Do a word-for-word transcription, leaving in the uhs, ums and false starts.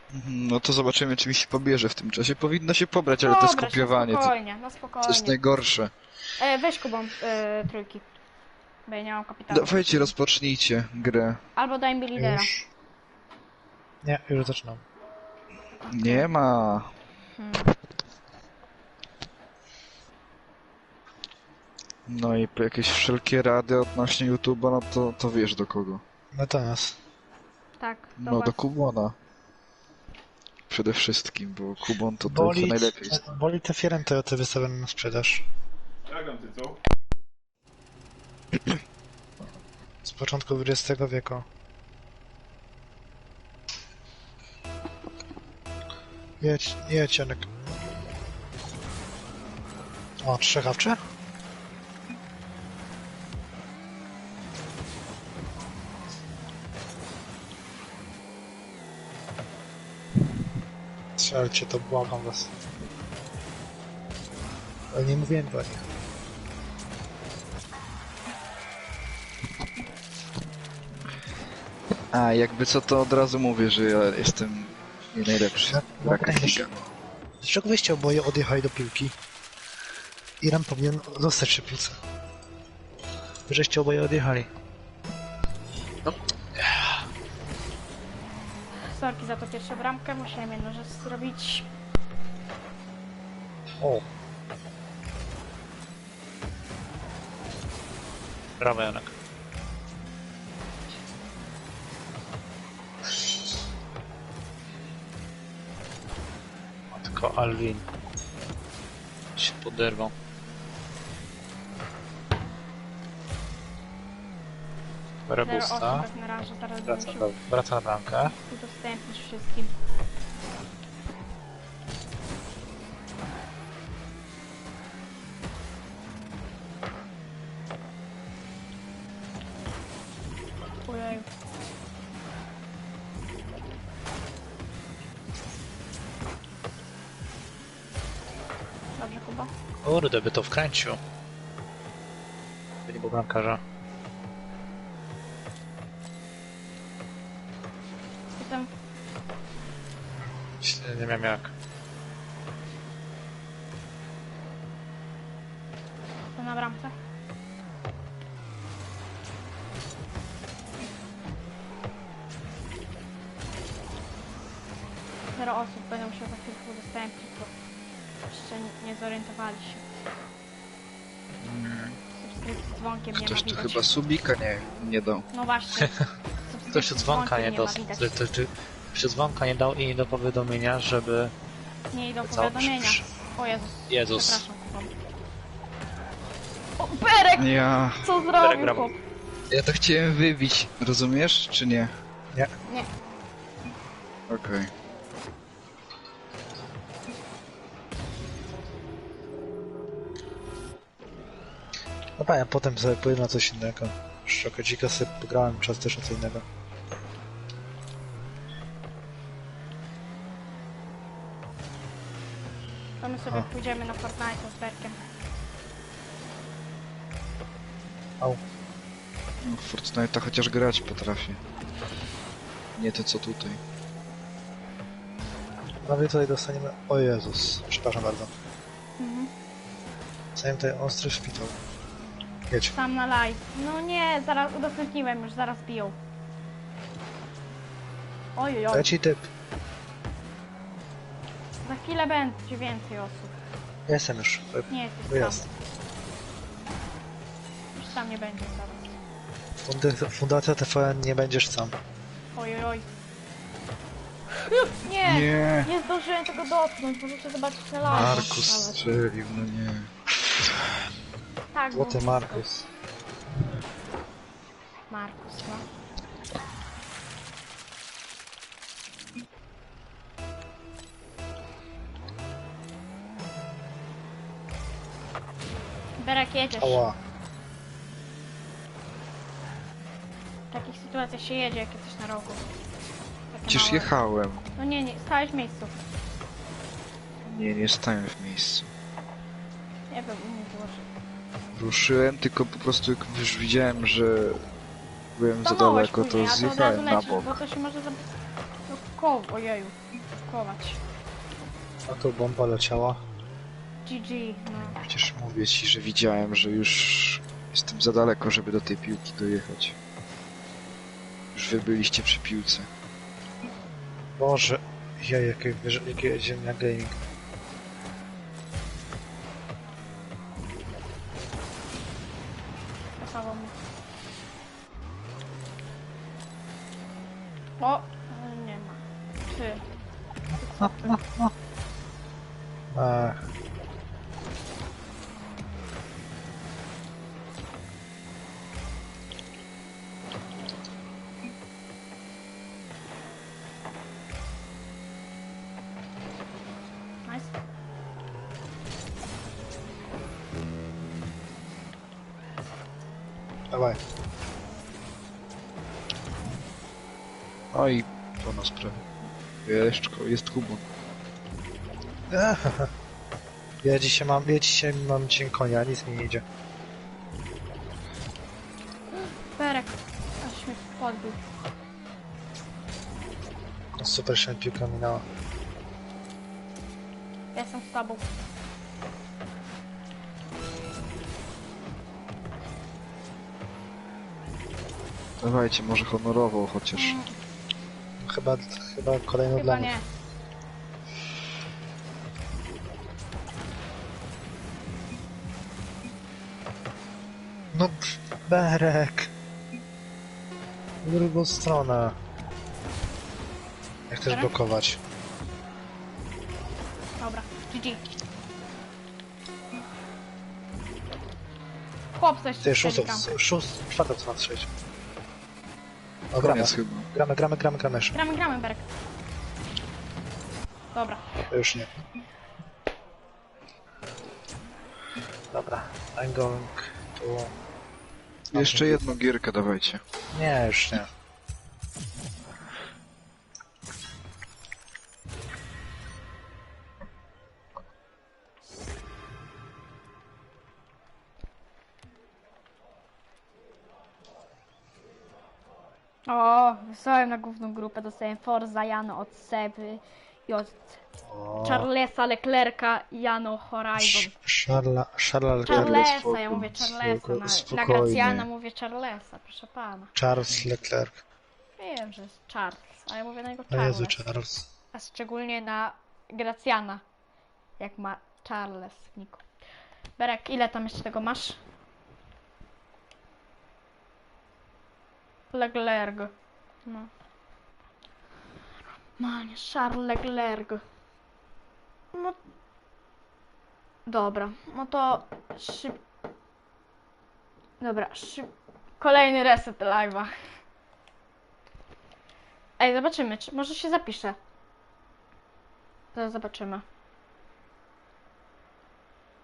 Mhm, no to zobaczymy, czy mi się pobierze w tym czasie. Powinno się pobrać, ale to Dobra, się skopiowanie to, spokojnie, no to spokojnie. jest najgorsze. E, weź Kubą e, trójki, bo ja nie mam kapitału. Dawajcie, rozpocznijcie grę. Albo daj mi lidera. Już. Nie, już zaczynam. Nie ma. Hmm. No i po jakieś wszelkie rady odnośnie YouTube'a, no to, to wiesz do kogo. No to nas. Tak, No zobacz. do Kubona. Przede wszystkim, bo Kubon to to, Boli, co najlepiej zna. boli te Fiorem Toyoty wystawione na sprzedaż. Dragon, ty co? Z początku dwudziestego wieku. Jedź, jedź Janek. O, trzechawcze? Strzelcie, to błagam was. Ale nie mówiłem do nich. A, jakby co, to od razu mówię, że ja jestem nie najlepszy. No, no, Brak będziesz. figa. Dlaczego wyście oboje odjechali do piłki? Iran powinien zostać przy piłce. Wy żeście oboje odjechali. Sorki za to pierwszą bramkę, musiałem jedną rzecz zrobić. O. Brawo Janek. Tylko Alvin się poderwał. Zero Rebusta. osób jak na razie, teraz będę Wraca, musiał do, wraca na bramkę. udostępnić wszystkim. Ojej. Dobrze, Kuba. Kurde, by to wkręcił. By nie był bramkarza. Jestem Nie, nie wiem jak. jestem na bramce. Zero osób, będę musiał za chwilkę udostępnić, bo jeszcze nie, nie zorientowali się. Subskrypcji z dzwonkiem nie ma Ktoś tu widać. chyba subika nie, nie dał. No właśnie. Ktoś od dzwonka nie ma dał. widać. Ty, ty, ty, ktoś od dzwonka nie dał i do powiadomienia, żeby... Nie idą Co? powiadomienia. O Jezus. Jezus. Przepraszam, Kuba. O, Berek! Ja, Co Berek, zrobił, brawo. chłop? ja to chciałem wybić, rozumiesz, czy nie? Nie. Nie. Okej. No pa, ja potem sobie pójdę na coś innego. Szczokocika sobie pograłem czas też o co innego. To my sobie O. pójdziemy na Fortnite z Berkiem. Au. No, w Fortnite'a chociaż grać potrafię. Nie to co tutaj. Prawie tutaj dostaniemy... O Jezus, przepraszam bardzo. Mhm. Dostaniemy tutaj ostry szpital. Jedź. Sam na live. No nie, zaraz udostępniłem już, zaraz biją. Oj, oj, Leci typ. za chwilę będzie więcej osób. Jestem już. Nie jesteś Wyjazd. sam. Już sam nie będzie zaraz. Fundy- Fundacja T V N, nie będziesz sam. Oj, oj, oj. Nie, Nie! nie zdążyłem tego dotknąć, możecie zobaczyć na live. Markus Ale- strzelił, no nie. Tak, Złoty było Markus. Markus, no. Berek, jedziesz. Ała. W takich sytuacjach się jedzie, jak jesteś na rogu. Takie Przecież małe- jechałem. No nie, nie, stałeś w miejscu. Nie, nie stałem w miejscu. Nie wiem, u mnie było, że... Ruszyłem, tylko po prostu jak już widziałem, że byłem za Stanąłeś daleko, to później, a to od razu zjechałem na lecisz, bok. bo to się może... za- no, Ko... Ojeju. Kować. A tu bomba leciała. G G, no. Przecież mówię ci, że widziałem, że już jestem za daleko, żeby do tej piłki dojechać. Już wy byliście przy piłce. Boże, ja jakie, wyż- jakie ziemia gaming. Pasował mi. O! Nie ma. Ty. Ach, Nice. dawaj. No i po nas prawie. Jeszcze, jest Kubon. Ach, ja dzisiaj mam, ja dzisiaj mam dzień konia, nic mi nie idzie. Berek. Aż mnie podbił. No super, się piłka minęła. Ja jestem z tobą. Dawajcie, może honorowo chociaż. Mm, Chyba, chyba kolejną dla chyba mnie. nie. No, pff, Berek. W drugą stronę. Jak chcesz Berek? blokować? Dobra. G G. Chłop coś Ty, szóstą, strzeli szóstą, czwartą co ma strzelić. O, gramy, Koniec chyba. gramy, gramy, gramy, gramy jeszcze. Gramy, gramy, Berek. Dobra. Już nie. Dobra, I'm going to... Jeszcze jedną gierkę dawajcie. Nie, już nie. O, wysłałem na główną grupę, dostałem Forza, Jano od Seby i od O, Charlesa Leclerca i Jano Horizon. Szarla, Szarla Leclerc. Charlesa, spoko, ja mówię Charlesa, spoko, na, na spokojnie. Gracjana mówię Charlesa, proszę pana. Charles Leclerc. Wiem, że jest Charles, a ja mówię na niego O Jezu, Charles. Charles. A szczególnie na Gracjana, jak ma Charles w niku. Berek, ile tam jeszcze tego masz? Leclerc. No. Manie, Charles Leclerc. No. Dobra, no to szyb... Dobra, szyb... Kolejny reset live'a. Ej, zobaczymy, czy może się zapisze. Zaraz zobaczymy.